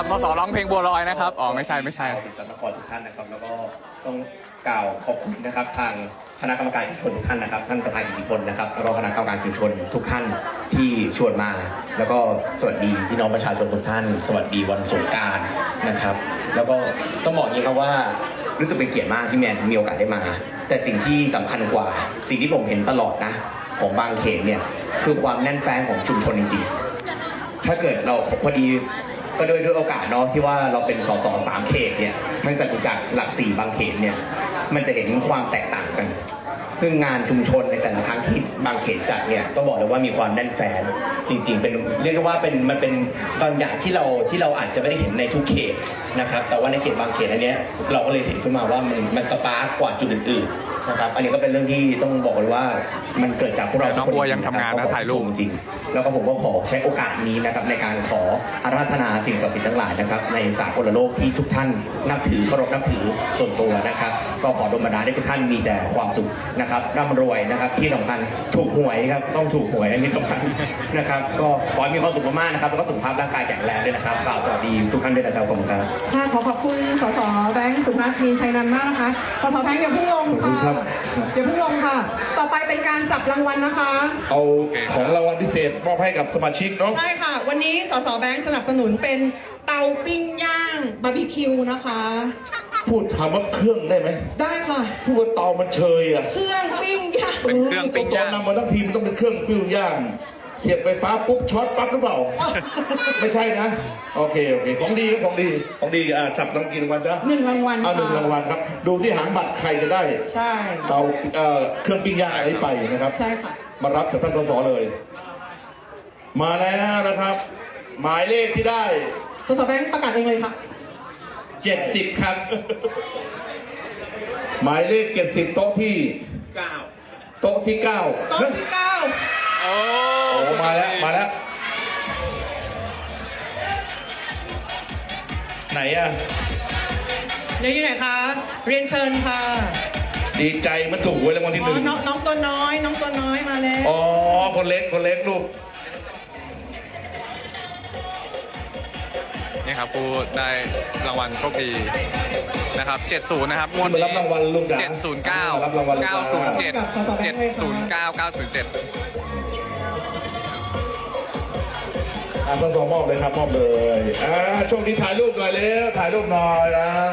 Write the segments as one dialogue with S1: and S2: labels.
S1: สสร้องเพลงบัวลอยนะครับอ๋อไม่ใช่
S2: สิทธิ์นครทุกท่านนะครับแล้วก็ต้องกล่าวขอบคุณนะครับทางคณะกรรมการชุมชนทุกท่านนะครับท่านประธานอิทธิพลนะครับรองคณะกรรมการชุมชนทุกท่านที่ชวนมาแล้วก็สวัสดีพี่น้องประชาชนทุกท่านสวัสดีวันสงกรานต์นะครับแล้วก็ต้องบอกอย่างนี้ครับว่ารู้สึกเป็นเกียรติมากที่แมนมีโอกาสได้มาแต่สิ่งที่สำคัญกว่าสิ่งที่ผมเห็นตลอดนะของบางเขตเนี่ยคือความแน่นแฟ้นของชุมชนจริงๆถ้าเกิดเราพอดีก็ด้วยโอกาสเนาะที่ว่าเราเป็นสส3 เขตเนี่ยมันจะถูกจากหลัก4บางเขตเนี่ยมันจะเห็นความแตกต่างกันซึ่งงานชุมชนในแต่ละครั้งที่บางเขตจัดเนี่ยก็บอกเลยว่ามีความแน่นแฟ้นจริงๆเป็นเรียกว่ามันเป็นบางอย่างที่เราอาจจะไม่ได้เห็นในทุกเขตนะครับแต่ว่าในเขตบางเขตอันนี้เราก็เลยเห็นขึ้นมาว่ามันสปาร์กกว่าจุดอื่นๆนะครับอันนี้ก็เป็นเรื่องที่ต้องบอกเลยว่ามันเกิดจากพวกเรา
S1: น้องบัวยังทำงานนะถ่ายรูป
S2: จริงแล้วก็ผมก็ขอใช้โอกาสนี้นะครับในการขออาราธนาสิ่งศักดิ์สิทธิ์ทั้งหลายนะครับในสากลโลกที่ทุกท่านนับถือเคารพนับถือส่วนตัวนะครับก็ขอดลบันดาลให้ทุกท่านมีแต่ความสุขนะครับร่ำรวยนะครับที่สำคัญถูกหวยครับต้องถูกหวยอันนี้สำคัญนะครับก็ขอให้มีความสุขมากๆนะครับแล้วก็สุขภาพร่างกายแข็งแรงด้วยนะครับกล่าวสวัสดีทุกท่านด้วยนะครับขอบคุณครับ
S3: ค่ะขอบคุณสสแบงค์สุนัขมีชัยนันท์มากนะคะสสแบงค์อย่าเพิ่งลงค่ะอย่าเพิ่งลงค่ะต่อไปเป็นการจับรางวัลนะคะ
S4: เอาของรางวัลพิเศษมอบให้กับสมาชิกเนาะ
S3: ใช่ค่ะวันนี้สสแบงค์สนับสนุนเป็นเตาปิ้งย่างบาร์บีคิวนะคะ
S4: พูดคำว่าเครื่องได้ไหม
S3: ได้ค่ะ
S4: พูดว่าเตามันเชยอ่ะ
S3: เครื่องปิ้งย่าง
S1: เป็นเครื่องปิ้งย่าง
S4: นำมาทั้งทีมต้องเป็นเครื่องปิ้งย่างเสียบไฟฟ้าปุ๊บช็อตปั๊บหรือเปล่าไม่ใช่นะโอเคของดีจับรางวัลกี่รางวัลจ๊ะ
S3: 1 รางวัล
S4: 1 รางวัลครับดูที่หางบัตรใครจะได้
S3: ใช่
S4: เตาเครื่องปิ้งย่างอะไรไปนะครับ
S3: ใช่ค่ะ
S4: มารับจากท่านสสเลยมาแล้วนะครับ หมายเลขที่ได้
S3: สสแบงค์ประกาศเองเลยค่ะ
S4: 70ครับหมายเลข70โต๊ะที่9โต๊ะที่9
S3: โอ้
S4: มาแล้วไหนอะ
S3: อยู่ไหนคะเรียนเชิญค่ะ
S4: ดีใจมันถูกหวยรางวัลที่1
S3: น้องตัวน้อยมาแล้ว
S4: อ๋อคนเล็กลูก
S1: นี่ครับผู้ได้รางวัลโชคดีนะครับ70นะครับงวดนี้709 907 709 907
S4: ต้องมอบเลยครับมอบเลยโชคดีถ่ายรูปหน่อยเร็วถ่ายรูปหน่อย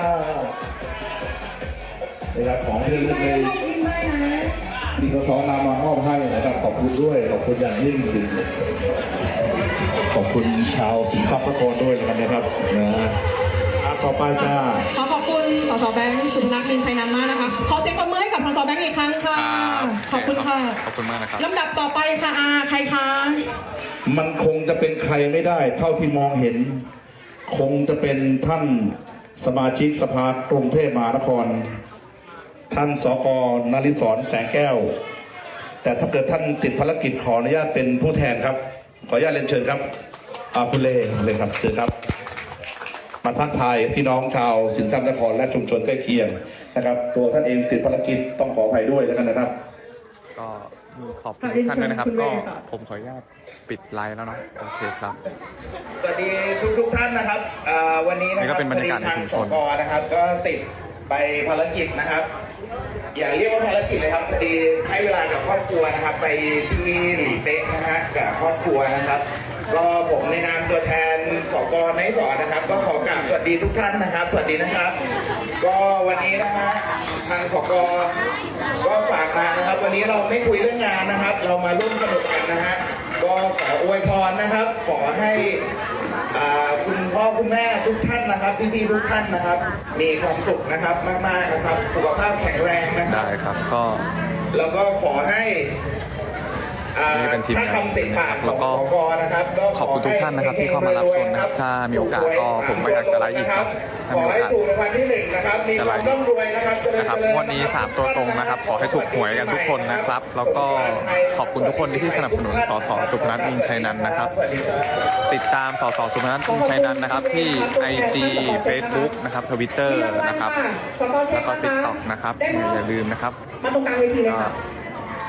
S4: นะครับของที่ระลึกเลยที่สสนำมามอบให้นะครับขอบคุณด้วยขอบคุณอย่างยิ่งจริงขอบคุณชาวสิงห์ทรัพย์นครด้วยนะครับต่อไปจ้า
S3: ขอบคุณสสแบงค์สุนัขมินชัยนันท์มากนะคะขอเสียงปรบมือให้กับสสแบงค์อีกครั้งค่ะขอบคุณค่ะ
S1: ขอบคุณมากนะครับ
S3: ลำดับต่อไปค่ะใครคะ
S4: มันคงจะเป็นใครไม่ได้เท่าที่มองเห็นคงจะเป็นท่านสมาชิกสภากรุงเทพมหานครท่านสก.นฤศรแสงแก้วแต่ถ้าเกิดท่านติดภารกิจขออนุญาตเป็นผู้แทนครับขออนุญาตเรียนเชิญครับคุณเล่เลยครับเชิญครับมาทักทายพี่น้องชาวสิงห์ทรัพย์นครและชุมชนใกล้เคียงนะครับตัวท่านเองติดภารกิจต้องขออภัยด้วยแล้วกันนะครับ
S1: ก็ขอบคุณทุกท่านด้วยนะครับก็ผมขออนุญาตปิดไลฟ์แล้วเนาะโอเคครับ
S2: สวัสดีทุกท่านนะครับวันนี้
S1: นี่ก็เป็นบรรยากาศในชุมชน
S2: นะครับก็ติดไปภารกิจนะครับอย่าเรียกว่าภารกิจเลยครับพอดีให้เวลากับครอบครัวนะครับไปที่หลีเป๊ะนะฮะกับครอบครัวนะครับก็ผมในนามตัวแทนสก.นฤศรนะครับก็ขอกราบสวัสดีทุกท่านนะครับสวัสดีนะครับก็วันนี้นะฮะทางสก.ก็ฝากมานะครับวันนี้เราไม่คุยเรื่องงานนะครับเรามาร่วมสนุกกันนะฮะก็ขออวยพรนะครับขอให้คุณพ่อคุณแม่ทุกท่านนะครับพี่ๆทุกท่านนะครับมีความสุขนะครับมากๆนะครับสุขภาพแข็งแรงนะครับ
S1: ได้ครับก็
S2: แล้วก็ขอให้
S1: นี่เป็นทีมงานแล้วก็ขอบคุณทุกท่านนะครับที่เข้ามารับชมนะครับถ้ามีโอกาสก็ผมก็อยากจะไลฟ์อีกครับถ้ามีโอกาสจะไลฟ์นะครับวันนี้3ตัวตรงนะครับขอให้ถูกหวยกันทุกคนนะครับแล้วก็ขอบคุณทุกคนที่สนับสนุนสสสุพนัทมินชัยนันท์นะครับติดตามสสสุพนัทมินชัยนันท์นะครับที่ IG Facebook นะครับ Twitter นะครับแล้วก็ TikTok นะครับอย่าลืมนะครับ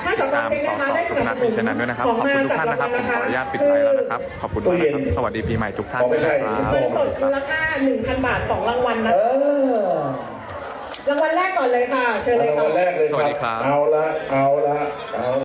S1: ติดตามสสสุพนัทมีชัยนันท์ด้วยนะครับขอบคุณทุกท่านนะครับผมขออนุญาตปิดไลฟ์แล้วนะครับขอบคุณมากนะครับสวัสดีปีใหม่ทุกท่านนะครับ
S3: เงินสดมูลค่า 1,000 บาท 2 รางวัลนะรางวัลแรกก่อนเลยค่ะเชิญเลยค่ะ
S4: รางวัลแรกเลย
S1: สวัสดีครับ
S4: เอาละ